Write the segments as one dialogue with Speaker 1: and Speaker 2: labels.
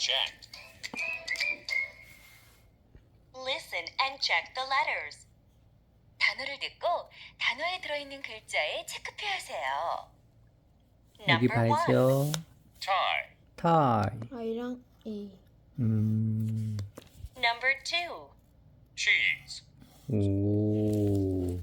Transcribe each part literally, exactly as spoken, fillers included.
Speaker 1: checked.
Speaker 2: Listen and check the letters. 단어를 듣고 단어에 들어있는 글자에 체크표하세요.
Speaker 3: 여기
Speaker 2: Number one.
Speaker 3: 봐야죠.
Speaker 1: Tie.
Speaker 3: tie.
Speaker 4: I랑 E.
Speaker 3: 음,
Speaker 2: Number two.
Speaker 1: Cheese.
Speaker 3: 오,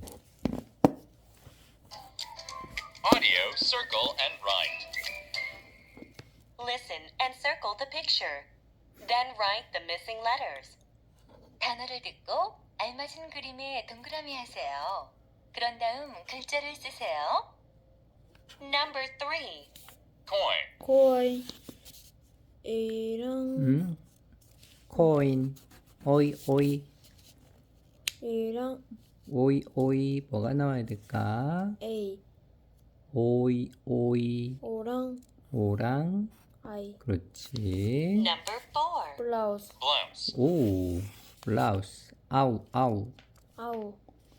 Speaker 1: Audio, circle, and write.
Speaker 2: Listen and circle the picture. Then write the missing letters. 단어를 듣고 알맞은 그림에 동그라미 하세요. 그런 다음 글자를 쓰세요. Number three.
Speaker 1: Coin.
Speaker 4: 코이. A랑
Speaker 3: 음, coin. 오이, 오이,
Speaker 4: A랑
Speaker 3: 오이, 오이. 뭐가 나와야 될까?
Speaker 4: A.
Speaker 3: 오이, 오이.
Speaker 4: O랑
Speaker 3: 오랑.
Speaker 4: I.
Speaker 3: 그렇지.
Speaker 2: Number four.
Speaker 4: 블라우스.
Speaker 1: Blouse.
Speaker 3: 오, 블라우스. 아우, 아우.
Speaker 4: 아우.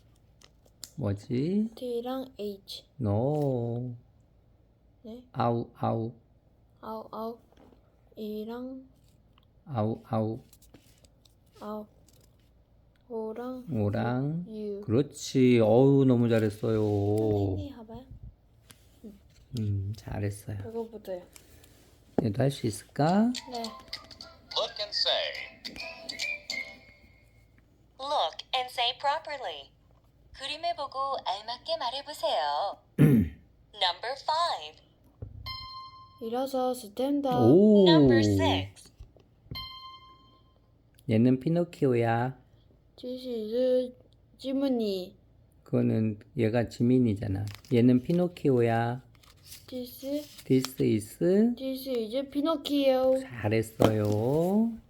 Speaker 3: 뭐지?
Speaker 4: T랑 H.
Speaker 3: 노.
Speaker 4: 네.
Speaker 3: 아우, 아우.
Speaker 4: 아우 아우. A랑
Speaker 3: 아우, 아우.
Speaker 4: 아우. O랑
Speaker 3: 오랑.
Speaker 4: U.
Speaker 3: 그렇지. 어우, 너무 잘했어요.
Speaker 4: 선생님 봐봐요.
Speaker 3: 음, 잘했어요.
Speaker 4: 이거부터요.
Speaker 3: 얘도 할 수 있을까?
Speaker 4: 네.
Speaker 1: Look and say.
Speaker 2: Look and say properly. 그림을 보고 알맞게 말해보세요. Number five.
Speaker 4: 일어서 스탠드업.
Speaker 3: 오.
Speaker 2: Number six.
Speaker 3: 얘는 피노키오야.
Speaker 4: This is 지문이.
Speaker 3: 그거는 얘가 지민이잖아. 얘는 피노키오야.
Speaker 4: This
Speaker 3: This is
Speaker 4: This is 피노키오.
Speaker 3: 잘했어요.